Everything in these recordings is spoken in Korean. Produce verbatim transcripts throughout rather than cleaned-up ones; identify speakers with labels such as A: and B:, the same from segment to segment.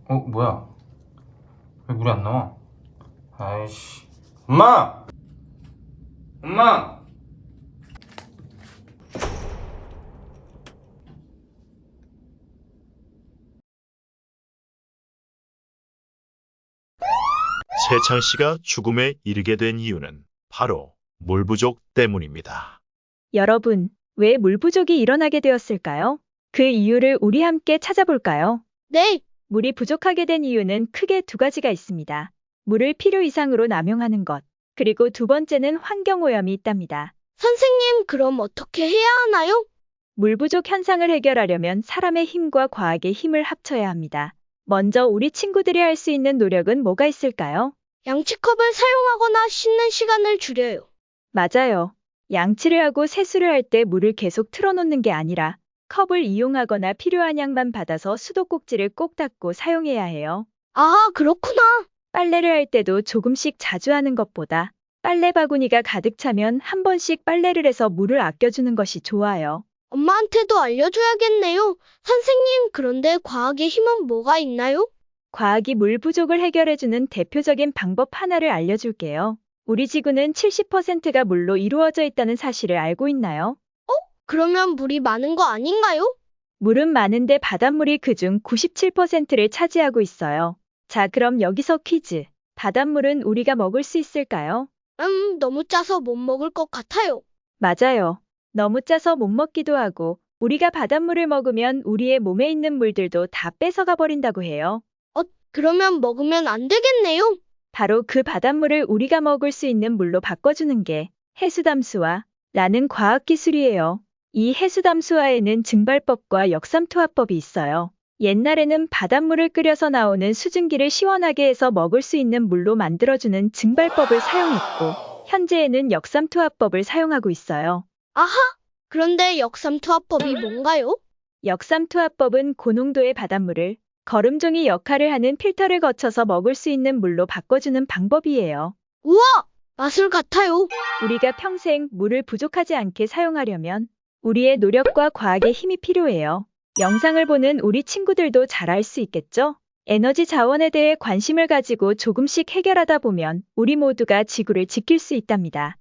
A: 어, 뭐야? 왜 물이 안 나와? 아이씨. 엄마! 엄마!
B: 세창 씨가 죽음에 이르게 된 이유는 바로 물 부족 때문입니다.
C: 여러분, 왜 물 부족이 일어나게 되었을까요? 그 이유를 우리 함께 찾아볼까요?
D: 네,
C: 물이 부족하게 된 이유는 크게 두 가지가 있습니다. 물을 필요 이상으로 남용하는 것, 그리고 두 번째는 환경오염이 있답니다.
D: 선생님, 그럼 어떻게 해야 하나요?
C: 물 부족 현상을 해결하려면 사람의 힘과 과학의 힘을 합쳐야 합니다. 먼저 우리 친구들이 할 수 있는 노력은 뭐가 있을까요?
D: 양치컵을 사용하거나 씻는 시간을 줄여요.
C: 맞아요. 양치를 하고 세수를 할 때 물을 계속 틀어놓는 게 아니라 컵을 이용하거나 필요한 양만 받아서 수도꼭지를 꼭 닦고 사용해야 해요.
D: 아, 그렇구나.
C: 빨래를 할 때도 조금씩 자주 하는 것보다 빨래 바구니가 가득 차면 한 번씩 빨래를 해서 물을 아껴주는 것이 좋아요.
D: 엄마한테도 알려줘야겠네요. 선생님, 그런데 과학의 힘은 뭐가 있나요?
C: 과학이 물 부족을 해결해주는 대표적인 방법 하나를 알려줄게요. 우리 지구는 칠십 퍼센트가 물로 이루어져 있다는 사실을 알고 있나요?
D: 그러면 물이 많은 거 아닌가요?
C: 물은 많은데 바닷물이 그중 구십칠 퍼센트를 차지하고 있어요. 자, 그럼 여기서 퀴즈. 바닷물은 우리가 먹을 수 있을까요?
D: 음, 너무 짜서 못 먹을 것 같아요.
C: 맞아요. 너무 짜서 못 먹기도 하고, 우리가 바닷물을 먹으면 우리의 몸에 있는 물들도 다 뺏어가 버린다고 해요.
D: 어, 그러면 먹으면 안 되겠네요.
C: 바로 그 바닷물을 우리가 먹을 수 있는 물로 바꿔주는 게 해수담수화 라는 과학기술이에요. 이 해수담수화에는 증발법과 역삼투화법이 있어요. 옛날에는 바닷물을 끓여서 나오는 수증기를 시원하게 해서 먹을 수 있는 물로 만들어주는 증발법을 사용했고, 현재에는 역삼투화법을 사용하고 있어요.
D: 아하, 그런데 역삼투화법이 뭔가요?
C: 역삼투화법은 고농도의 바닷물을 거름종이 역할을 하는 필터를 거쳐서 먹을 수 있는 물로 바꿔주는 방법이에요.
D: 우와, 마술 같아요.
C: 우리가 평생 물을 부족하지 않게 사용하려면 우리의 노력과 과학의 힘이 필요해요. 영상을 보는 우리 친구들도 잘 알 수 있겠죠? 에너지 자원에 대해 관심을 가지고 조금씩 해결하다 보면 우리 모두가 지구를 지킬 수 있답니다.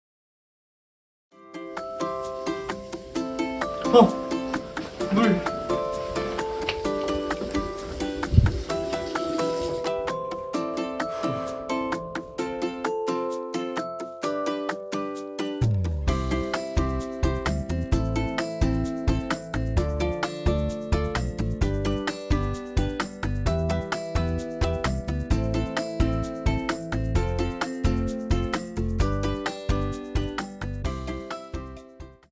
A: 어! 물!